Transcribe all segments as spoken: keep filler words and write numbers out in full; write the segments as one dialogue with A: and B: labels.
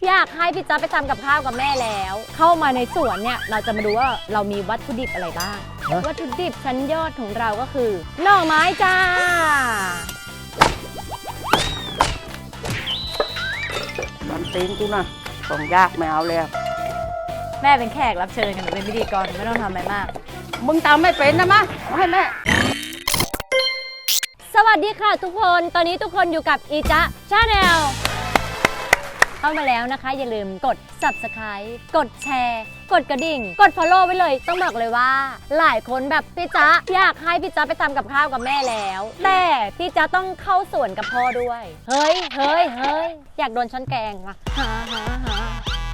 A: อยากให้พี่จ๊ะไปทำกับข้าวกับแม่แล้ว เข้ามาในสวนเนี่ยเราจะมาดูว่าเรามีวัตถุดิบอะไรบ้างวัตถุดิบชั้นยอดของเราก็คือหน่อไม้จ้า
B: บันตีนกูนะต้องยากไม่เอาเลย
A: แม่เป็นแขกรับเชิญกันหนูเป็นพิธีกรไม่ต้องทำอะไรมาก
B: มึงทำไม่เป็นนะมะมาให้แม่
A: สวัสดีค่ะทุกคนตอนนี้ทุกคนอยู่กับอีจ๊ะชาแนลเข้ามาแล้วนะคะอย่าลืมกด ซับสไครบ์ กดแชร์กดกระดิ่งกด ฟอลโล่ ไว้เลยต้องบอกเลยว่าหลายคนแบบพี่จ๊ะอยากให้พี่จ๊ะไปทำกับข้าวกับแม่แล้วแต่พี่จ๊ะต้องเข้าสวนกับพ่อด้วยเฮ้ยเฮ้ยเฮ้ยอยากโดนช้อนแกงว่ะหาหาหา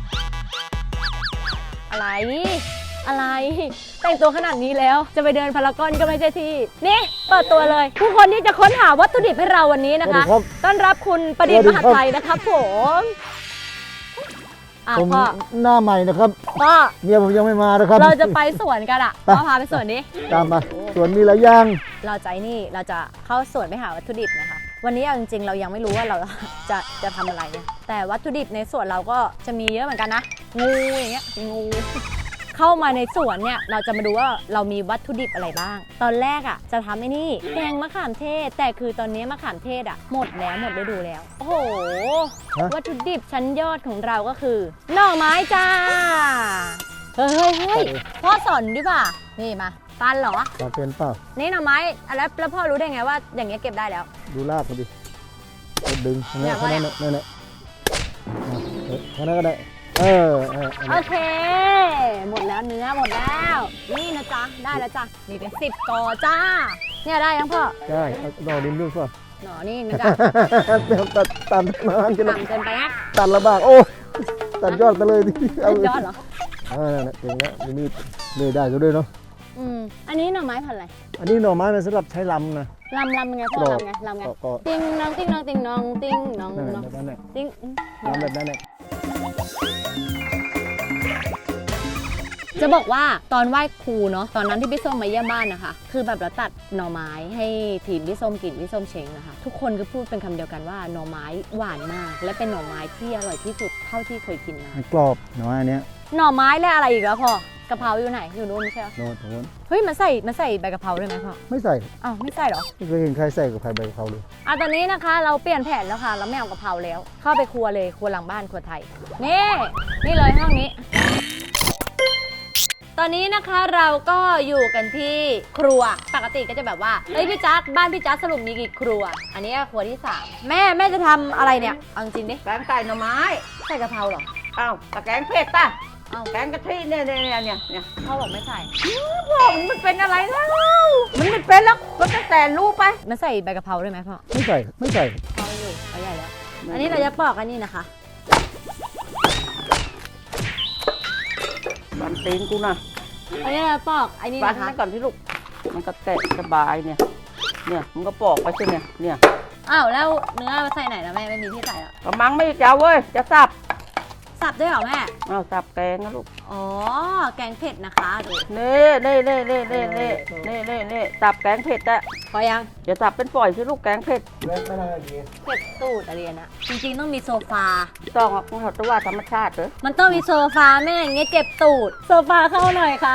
A: อะไรอะไรแต่งตัวขนาดนี้แล้วจะไปเดินพารากอนก็ไม่ใช่ที่นี่เปิดตัวเลยผู้คนที่จะค้นหาวัตถุดิบให้เราวันนี้นะคะต้อนรับคุณประดิษฐ์มหาไทยนะครับผม
C: ผมหน้าใหม่นะครับ
A: พ่อ
C: เมียผมยังไม่มานะครับ
A: เราจะไปสวนกันอ่ะพ่อพาไปสวนนี้
C: ตามมาสวนมีหลายอย่าง
A: เราใจนี่เราจะเข้าสวนไปหาวัตถุดิบนะคะวันนี้เอาจริงๆเรายังไม่รู้ว่าเราจะจะทำอะไรแต่วัตถุดิบในสวนเราก็จะมีเยอะเหมือนกันนะงูอย่างเงี้ยงูเข้ามาในสวนเนี่ยเราจะมาดูว่าเรามีวัตถุดิบอะไรบ้างตอนแรกอ่ะจะทำไอ้นี่แกงมะขามเทศแต่คือตอนนี้มะขามเทศอ่ะหมดแล้วหมดฤดูแล้วโอ้โหวัตถุดิบชั้นยอดของเราก็คือหน่อไม้จ้าเฮ้ยเฮ้ยเฮ้ยพ่อสอนดิป่ะนี่มาปันเหรอ
C: ปันเป็นเปล่า
A: นี่หน่อไม้แล้วแล้วพ่อรู้ได้ไงว่าอย่างเงี้ยเก็บได้แล้ว
C: ดูลากพอดีดึงนี่แค่นั้นนี่นี่แค่นั้นก็ได้เออ
A: โอเคหมดแล้วเนื้อหมดแล้วนี่นะจ๊ะได้แล้วจ้ะนี่เป็นสิบกอจ้าเนี่ยได้ยังพ่อ
C: ได้ดอกดินด้วยพ่อ
A: หน่อนี่นะจ๊ะ
C: ตัดตัดมา
A: ต่ำเกินไปนะ
C: ตัดละบากโอ้ตัดยอดไปเลย
A: ตัดยอดเหรอ
C: อ่าเนี่ยเก่งแล้วนี่เลยได้ก็ด้วยเนาะ
A: อืมอันนี้หน่อไม้พันอะไร
C: อันนี้หน่อไม้มันสำหรับใช้ลำนะ
A: ลำลำไงพ่อลำไงลำไงติ้งน้องติ้งน้องติ้งน้องติ้งน้องน้องติ้ง
C: ลำแบบนั้นแหละ
A: จะบอกว่าตอนไหว้ครูเนาะตอนนั้นที่พี่ส้มมาเยี่ยมบ้านนะคะคือแบบเราตัดหน่อไม้ให้ทีมพี่ส้มกินพี่ส้มเชงนะคะทุกคนก็พูดเป็นคำเดียวกันว่าหน่อไม้หวานมากและเป็นหน่อไม้ที่อร่อยที่สุดเท่าที่เคยกินมาก
C: รอบหน่อไม้เนี้ย
A: หน่อไม้และอะไรอีกแล้วพ่อกะเพราอยู่ไหนอยู่นู้นไม่ใช่
C: โน่นโน่น
A: เฮ้ยมันใส่มันใส่ใบกะเพราด้วยไหมพ่อ
C: ไม่ใส่
A: อ้าวไม่ใส่หรอ
C: ไม่เคยเห็นใครใส่กับใครใบกะเพราเลย
A: อ่ะตอนนี้นะคะเราเปลี่ยนแผนแล้วค่ะเราไม่เอากะเพราแล้วเข้าไปครัวเลยครัวหลังบ้านครัวไทยนี่นี่เลยห้องนี้ตอนนี้นะคะเราก็อยู่กันที่ครัวปกติก็จะแบบว่าเฮ้ยพี่จ๊าบ้านพี่จ๊าสรุปมีกี่ครัวอันนี้ครัวที่สามแม่แม่จะทำอะไรเนี่ยเอาจริงดิ
B: แกงไก่หน่อไม้
A: ใส่กะเพราหรอ
B: อ้าวแต่แกงเผ็ดป่ะอ้าวแกงกะทิเนี่ยเนี่ยเนี่ยเนี่ย
A: พ่อบอกไม่ใส่
B: พ่อมันเป็นอะไรแล้วมันไม่เป็นแล้วก็จะแต่รู้ไป
A: มันใส่ใบกะเพราด้วยไหมพ่อ
C: ไม่ใส่ไม่ใส่
A: พ่ออยู่เอาใหญ่แล้วอันนี้เราจะปอกอันนี้นะคะ
B: บันตีนกูนะ
A: อันนี้เราปอกอันนี้นะคะ
B: ก่อนที่ลูกมันก็แตะสบายเนี่ยเนี่ยมันก็ปอกไปใช่ไหมเนี่ย
A: อ้าวแล้วเนื้อมาใส่ไหนนะแม่ไม่มีที่ใส่หรอก
B: ระมังไม่จะเว้ยจะสับ
A: สับด้วยเหรอแม่
B: อ้าวสับแกงนะลูก
A: อ๋อแกงเผ็ดนะคะ
B: เน่เน่เน่เน่เน่เน่เน่เน่เน่สับแกงเผ็ดอะ
A: พอยัง
B: อย่าสับเป็นฝอยสิลูกแกงเผ็ด
A: เผ็ดตูดอะไรนะจริงๆต้องมีโซฟา
B: ต้องอ่ะคุณเขาจะว่าธรรมชาติเหรอ
A: มันต้องมีโซฟาแม่อย่างเงี้ยเจ็บตูดโซฟาเข้าหน่อยค่ะ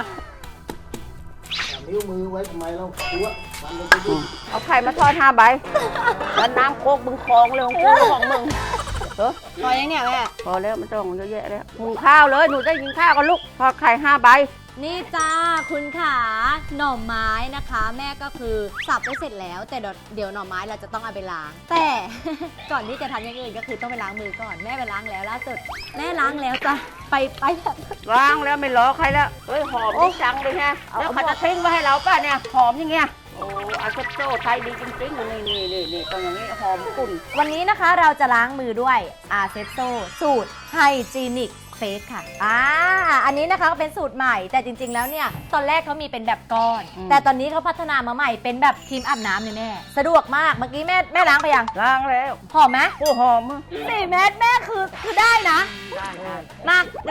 C: นิ้วมือไว้ทำไมเราตัว
B: เอาไข่มาทอดห้าใบแล้วน้ำโคกบึงคลองเลยของกูของมึงเออ
A: พอยังเนี่ยแม่
B: พอแล้วมันต้องเยอะแยะแล้วหุงข้าวเลยหนูได้กินข้าวกันลูกทอดไข่ห้าใบ
A: นี่จ้าคุณขาหน่อไม้นะคะแม่ก็คือสับไปเสร็จแล้วแต่เดี๋ยวหน่อไม้เราจะต้องเอาไปล้างแต่ ก่อนที่จะทำอย่างอื่นก็คือต้องไปล้างมือก่อนแม่ไปล้างแล้วล่าสุดแม่ล้างแล้วจ้ะไปไป
B: ล้างแล้วไม่รอใครแล้วเฮ้ยหอมจังเลยฮะแล้วเขาจะทิ้งไว้ให้เราป่ะเนี่ยหอมอย่างเงี้ยโอ้อาเซโซไทยดีจริงๆนี่นี่นี่นี่ตรงอย่างนี้หอมกุ่น
A: วันนี้นะคะเราจะล้างมือด้วยอาเซโซสูตรไฮจีนิกเฟสค่ะอ่าอันนี้นะคะก็เป็นสูตรใหม่แต่จริงๆแล้วเนี่ยตอนแรกเขามีเป็นแบบก้อนแต่ตอนนี้เขาพัฒนามาใหม่เป็นแบบครีมอาบน้ำเลยแม่สะดวกมากเมื่อกี้แม่แม่ล้างไปยัง
B: ล้างแล้ว
A: หอมไหม
B: โอ้หอม
A: สี่เม็ดแม่คือคือได้นะได้มา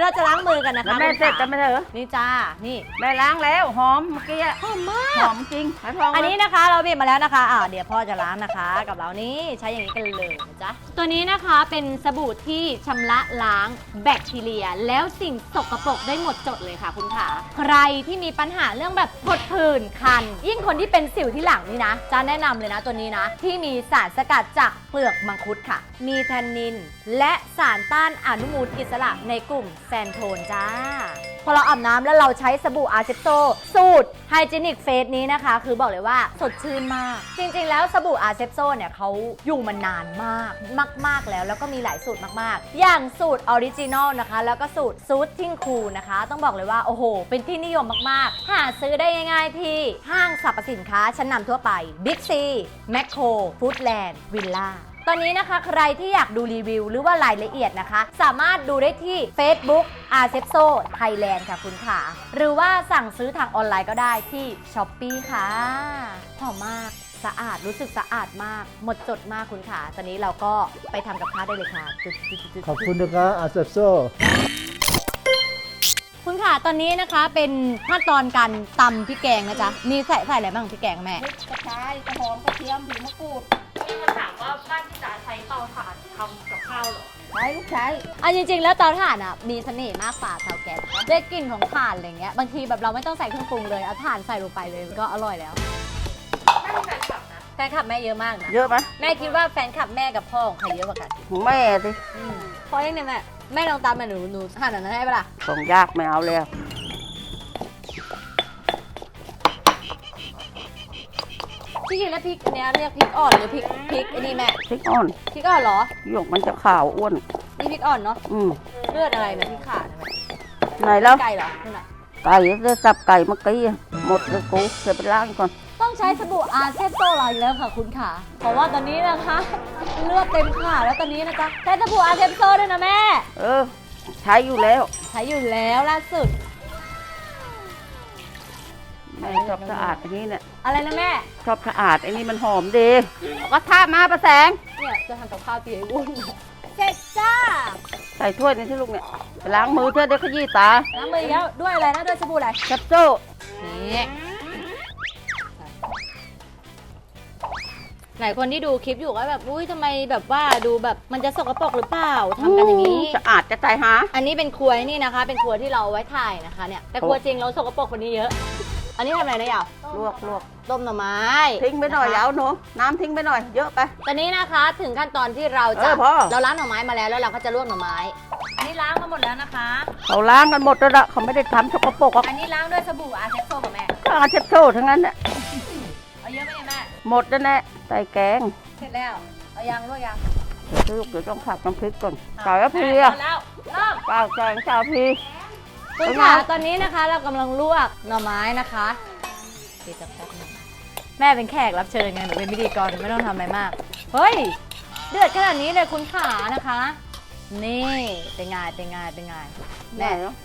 A: เราจะล้างมือกันนะ
B: แล้ว
A: คะ
B: แม่
A: คุณ
B: เสร็จ
A: ขา
B: กันไม่เถอะ
A: นี่จ้า นี่
B: แม่ล้างแล้วหอมเมื่อกี้อะ
A: หอมมา
B: ห
A: ก
B: อมจริงหายทอง
A: อันนี้นะคะเราบีบมาแล้วนะคะอ่าเดี๋ยวพ่อจะล้างนะคะ กับเรานี่ใช้อย่างนี้กันเลยนะจ๊ะ ตัวนี้นะคะเป็นสบู่ที่ชำระล้างแบคทีเรีย แล้วสิ่งสกปรกได้หมดจดเลยค่ะคุณขาใครที่มีปัญหาเรื่องแบบผดผื่นคัน ยิ่งคนที่เป็นสิวที่หลังนี่นะจะแนะนำเลยนะตัวนี้นะ ที่มีสารสกัดจากเปลือกมังคุดค่ะ มีแทนนิน และสารต้านอนุมูลอิสระในกลุ่มแซนโทนจ้า พอเราอาบน้ำแล้วเราใช้สบู่อาร์เซปโซสูตรไฮจีนิกเฟสนี้นะคะ คือบอกเลยว่าสดชื่นมาก จริงๆแล้วสบู่อาร์เซปโซเนี่ยเขาอยู่มานานมากมากๆแล้วแล้วก็มีหลายสูตรมากๆ อย่างสูตรออริจินอลนะคะ แล้วก็สูตรซูททิ้งคูนะคะ ต้องบอกเลยว่า โอ้โห เป็นที่นิยมมากๆ หาซื้อได้ง่ายๆที่ห้างสรรพสินค้าชั้นนำทั่วไป Big C แมคโคร ฟู้ดแลนด์ วิลล่า ตอนนี้นะคะใครที่อยากดูรีวิวหรือว่ารายละเอียดนะคะ สามารถดูได้ที่ Facebook Arcepso Thailand ค่ะคุณค่ะ หรือว่าสั่งซื้อทางออนไลน์ก็ได้ที่ Shopee ค่ะหอมมากสะอาดรู้สึกสะอาดมาก หมดจดมากคุณค่ะ ตอนนี้เราก็ไปทำกับข้าวได้เลยค่ะ
C: ขอบคุณนะคะอาเซปโซ
A: คุณค่ะตอนนี้นะคะเป็นขั้นตอนการตำพริกแกงนะจ๊ะมีใส่ใส่อะไรบ้างพริกแกงแม่
B: พริกกระชายกระหอมกระเทียมผิวมะกรูด
D: นี่มาถามว่าบ้านพี่จ๋าใช้เตาถ่านทำกับข้าวเหรอ
B: ใช้ลูกใช้
A: อ่ะจริงๆ แล้วเตาถ่านอ่ะมีเสน่ห์มากกว่าเตาแก๊สได้กลิ่นของถ่านอะไรเงี้ยบางทีแบบเราไม่ต้องใส่เครื่องปรุงเลยเอาถ่านใส่ลงไปเลยมันก็อร่อยแล้ว
D: ไม่มีแฟนคลับนะ
A: แฟนคลับแม่เยอะมากนะ
B: เยอะไหม
A: แม่คิดว่าแฟนคลับแม่กับพ่อของใครเยอะกว่ากัน
B: แม่สิ
A: อืมเพราะยังไงแม่แม่ลองตามมาหนูหนูหั่นอันนั้นให้ปะล่ะ
B: ของยากไม่เอาแล้ว
A: ที่จริงแล้วพริกอันเนี้ยเรียกพริกอ่อนหรือพริกพริกไอ้นี่แม่
B: พริกอ่อน
A: พริกอ่อนเหรอ
B: หยกมันจะขาวอ้วน
A: นี่พริกอ่อนเนาะ
B: อืม
A: เลือดอะไรนะพริกขาดนะแม่
B: ไหนแล้ว
A: ไก่เหรอนู่นน่ะ
B: ไก่จะสับไก่เมื่อกี้อะหมดเลยกูเดี๋ยวไปล้างก่อน
A: ต้องใช้สบู่อาร์เซโซเราอีกแล้วค่ะคุณขาเพราะว่าตอนนี้นะคะ เลือดเต็มขาแล้วตอนนี้นะจ๊ะใช้สบู่อาร์เซโซด้วยนะแม่
B: เออ ใช้อยู่แล้ว
A: ใช้อยู่แล้วล่าสุด
B: แม่ชอบสะอาดอันนี้เนี่ย
A: อะไรนะแม่
B: ชอบสะอาดอันนี้มันหอมดีก็ทามาประแสง
A: เนี่ยจะทำกับข้าวตีให้วุ่นเสร็จจ้า
B: ใส่ถ้วยนี่ที่ลูกเนี่ยไปล้างมือเพื่อได้ขยี้ตา
A: น้ำมืออีกแล้วด้วยอะไรนะด้วยสบู่อะไร
B: แคปซูล
A: นี่หลายคนที่ดูคลิปอยู่ก็แบบอุ้ยทำไมแบบว่าดูแบบมันจะสกปรกหรือเปล่าทำกันอย่างนี้
B: สะอาดจะตายหา
A: อันนี้เป็นครัวนี่นะคะ เป็นครัวที่เราเอาไว้ถ่ายนะคะเนี่ยแต่ครัวจริงเราสกปรกกว่านี้เยอะ อันนี้ทำอะไรนะยาว
B: ลวกลวก
A: ต้มหน่อไม้
B: ทิ้งไปหน่อย
A: ะคะ
B: ยาวหนูน้ำทิ้งไปหน่อย เยอะไป
A: ตอนนี้นะคะถึงขั้นตอนที่เราจะ
B: เออพ่อ
A: เราล้างหน่อไม้มาแล้วแล้วเราก็จะลวกหน่อไม้ อันนี้ล้างมาหมดแล้วนะคะ
B: เขาล้างกันหมดแล้วละเขาไม่ได้ทำสกปรกหรอก
A: อันนี้ล้างด้วยสบู่อาร์เซโซกับแม่
B: ข้าวเช็ดโซ่ทั้งนั้นน่ะ
A: เอาเยอะไหมเนี่ยแม่
B: หมดแล้วแน่ใส่แกง
A: เสร็จแล้วเอายังลวกยัง
B: เดี๋ยวลูกเดี๋ยวต้องผัดน้ำพริกก่อนใส่กะเพรี
A: แม่
B: ย
A: เอาแล้วเริ่ม
B: เปล่าใส่กะเพรี
A: คุณค่ะตอนนี้นะคะเรากำลังลวกหน่อไม้นะคะเดี๋ยวจะแป๊บนึงแม่เป็นแขกรับเชิญไงหนูเป็นพิธีกรหนูไม่ต้องทำอะไรมากเฮ้ยเดือดขนาดนี้เลยคุณขานะคะ นี่เป็นไงเป็นไงเป็นไง
B: แม่
A: แม่
B: เนาะ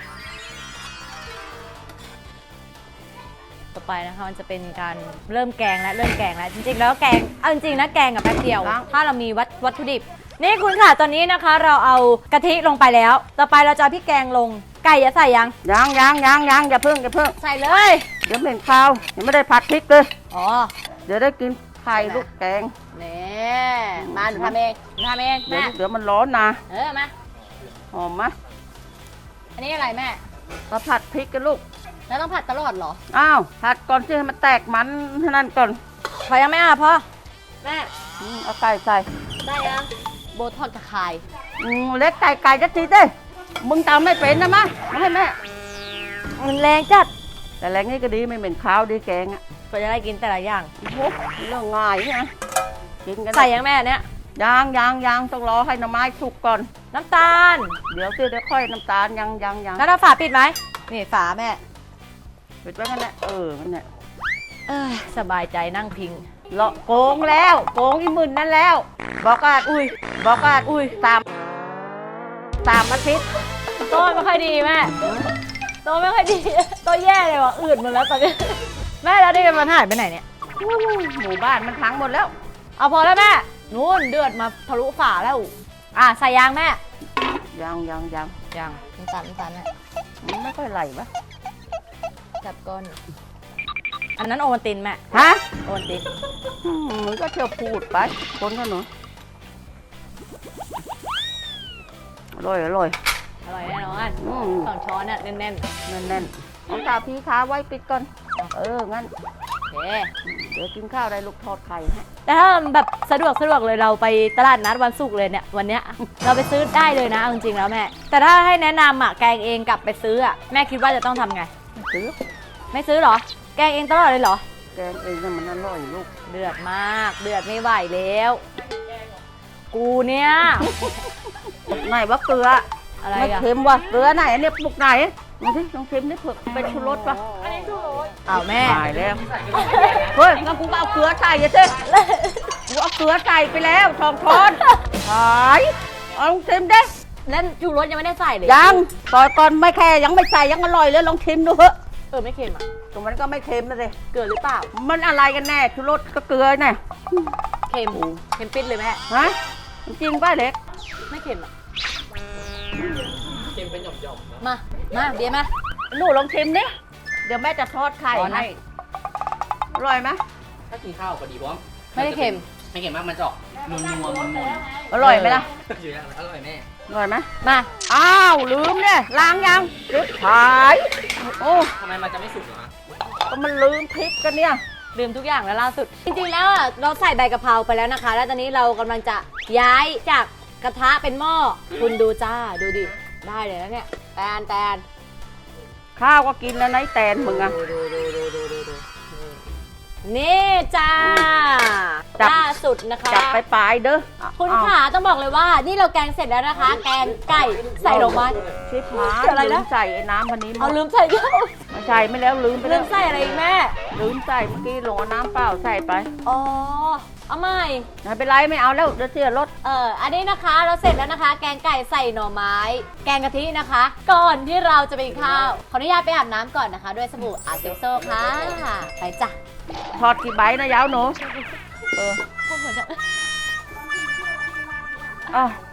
A: ต่อไปนะคะมันจะเป็นการเริ่มแกงแล้วเริ่มแกงแล้วจริงๆแล้วแกงเอาจริงๆนะแกงกับแป๊บเดียวถ้าเรามีวัตวัตถุดิบนี่คุณค่ะตอนนี้นะคะ เราเอากะทิลงไปแล้ว ต่อไปเราจะเอาพริกแกงลงไก่จะใส่ยัง
B: ยังยังยังยังอย่าเพิ่งอย่าเพิ่ง
A: ใส่เลย
B: เดี๋ยวเหม็นข้าวยังไม่ได้ผัดพริกเลย
A: อ๋อ
B: เดี๋ยวได้กินไข่ลูกแกง
A: นี่มาหนูทำเองหนูทำเอง
B: เดี๋ยว
A: แม่
B: เดี๋ยวมันร้อนนะ
A: เออมา
B: หอมไหม
A: อันนี้อะไรแม่
B: ก็ผัดพริกกันลูก
A: แล้วต้องผัดตลอดเหรอ
B: อ้าวผัดก่อนที่ให้มันแตกมันเท่านั้นก่อน
A: พอยังไม่อ่ะพ่อแม่
B: อืมเอาไก่ใส่
A: ได้ยังโบทอดตะไคร้
B: อืมเล็กไก่ไก่จะทีเด้มึงตำไม่เป็นนะมะมาให้แม่
A: มันแรงจัด
B: แต่แรงนี่ก็ดีไม่เหม็นข้าวดีแกงอ่ะ
A: ก็จะได้กินแต่ละอย่าง
B: โอ้โหเรื่องง่ายนะกินกัน
A: ใส่ยังแม่เนี่ย
B: ยางยางยางต้องรอให้หน่อไม้สุกก่อน
A: น้ำตาล
B: เดี๋ยวสิเดี๋ยวค่อยน้ำตาลยังยังยัง
A: แล้วเราฝาปิดไหมนี่ฝาแม่
B: ปิดไว้กันแหละเออมันเนี่ย
A: เอ้ยสบายใจนั่งพิง
B: เลาะโกงแล้วโกงอีหมื่นนั่นแล้ว บอกว่าอุ้ยบอกว่าอุ้ยสามสามอาทิตย์
A: โต้ไม่ค่อยดีแม่โต้ไม่ค่อยดีโต้แย่เลยว่ะอืดหมดแล้วตอนนี้แม่แล้วได้มันหายไปไหนเนี่ย
B: หมู่บ้านมันพังหมดแล้ว
A: เอาพอแล้วแม่นู่นเดือดมาทะลุฝาแล้วอ่ะใส่ยางแม่
B: ยังยังยัง
A: ยังน้ำตาลน้ำตาลเนี่ย
B: มันไม่ค่อยไหลปะ
A: จับก้นอันนั้นโอวัลตินแม่
B: ฮะ
A: โอวัลติน
B: อืมมันก็เที่ยวพูดไปคนกันหนูอร่อยอร่อย
A: อร่อยแน่นอน
B: อืม
A: สองช้อนอ่ะแน่น
B: แน่นๆน้องตาพี่ค้าไว้ปิดก่อนเอองั้น
A: ๆโอเค
B: เดี๋ยวกินข้าวได้ลูกทอดไข่ให้
A: แต่ถ้าแบบสะดวกสะดวกเลยเราไปตลาดนัดวันศุกร์เลยเนี่ยวันเนี้ย เราไปซื้อได้เลยนะเอาจริงๆแล้วแม่ แต่ถ้าให้แนะนำอ่ะแกงเองกลับไปซื้ออ่ะแม่คิดว่าจะต้องทำไง
B: ซื้อ
A: ไม่ซื้อเหรอ แกงเองตลอดเลยเหรอ
B: แกงเองน่ะมันอร่อยลูก
A: เดือดมากเดือดไม่ไหวแล้ว กูเนี่ย
B: ไหนว่าเกลือ
A: อะไร
B: ไม่
A: อ่ะ
B: เค็มว่ะเกลือไหนอันเนี้ยปลุกไหนมาดิลองเค็มนี่เผือกเป็นชูรสปะ
D: อันนี้ถูก
A: อ้าวแม่
B: ตายแล้วเฮ้ยงั้นกูก็เอาเกลือใส่อย่าเท่กูเอาเกลือใส่ไปแล้วสองช้อนหายเอาลองชิมดิ
A: แล้วชูรสยังไม่ได้ใส่เลย
B: ยังต่อยก่อนไม่แค่ยังไม่ใส่ยังอร่อยเลยลองชิมดูเถอะ
A: เออไม่เค็มอ่ะ
B: ตรงมันก็ไม่เค็มนะสิ
A: เกลือหรือเปล่า
B: มันอะไรกันแน่ชูรสก็เกลือแน่
A: เค็มเค็มปิดเลยแม่
B: ฮะจริงป่ะเล็ก
A: ไม่เค็มอ่ะเค็มเป็นหย่อมๆมามาเบียร์มา
B: หนูลองชิมดิเดี๋ยวแม่จะทอดไข่
A: ร้อนนะ
B: ให้อร่อยไหม
E: ถ้ากินข้าวพอดีเพราะว่า
A: ไม่ได้เค็ม
E: ไม่เค็มมากมันจะออกนัวนัวมันมัน
B: อร่อยไหมล่ะ
E: อยู่แล้วอร่อยแม่
B: อร่อยไหม
A: มา
B: อ้าวลืมเนี่ยล้างยังเรียบหายโอ้
E: ทำไมมันจะไม่สุกเหรอฮะ
B: ก็มันลืมพริกกันเนี่ย
A: ลืมทุกอย่างแล้วล่าสุด จริงๆแล้วอะเราใส่ใบกะเพราไปแล้วนะคะ แล้วตอนนี้เรากำลังจะย้ายจากกระทะเป็นหม้อคุณดูจ้าดูดิได้เลยแล้วเนี่ยแตนแตน
B: ข้าวก็กินแล้วไนแตนมึงอะ
A: นี่จ้า
B: จับ
A: ล่าสุดนะคะ
B: จับไปปลายเด้อ
A: คุณ
B: อ้าว
A: ขาต้องบอกเลยว่า นี่เราแกงเสร็จแล้วนะคะ แกงไก่ใส่ลงไป
B: ชิบหาย
A: อะไรนะ
B: ลืมใส่ไอ้น้ำพันนี้
A: เอาลืมใส่เยอะ
B: ไม่ใส่ไม่แล้วลืมไป
A: ลื
B: แล้ว
A: มใส่อะไรอีกแม่
B: ลืมใส่เมื่อกี้หลงเอาน้ำเปล่าใส่ไป
A: อ๋อเอาใหม่
B: ไม่เป็นไรไม่เอาแล้วเดี๋ยวเสียรส
A: เอออันนี้นะคะเราเสร็จแล้วนะคะ แกงไก่ใส่หน่อไม้ แกงกะทินะคะ ก่อนที่เราจะไปกินข้าวขออนุญาตไปอาบน้ำก่อนนะคะ ด้วยสบู่อาร์เซโซค่ะไปจ้ะ
B: ทอดกี่ใบนะยาวหนูเออ
A: พวกหัวจะ
B: อ้าว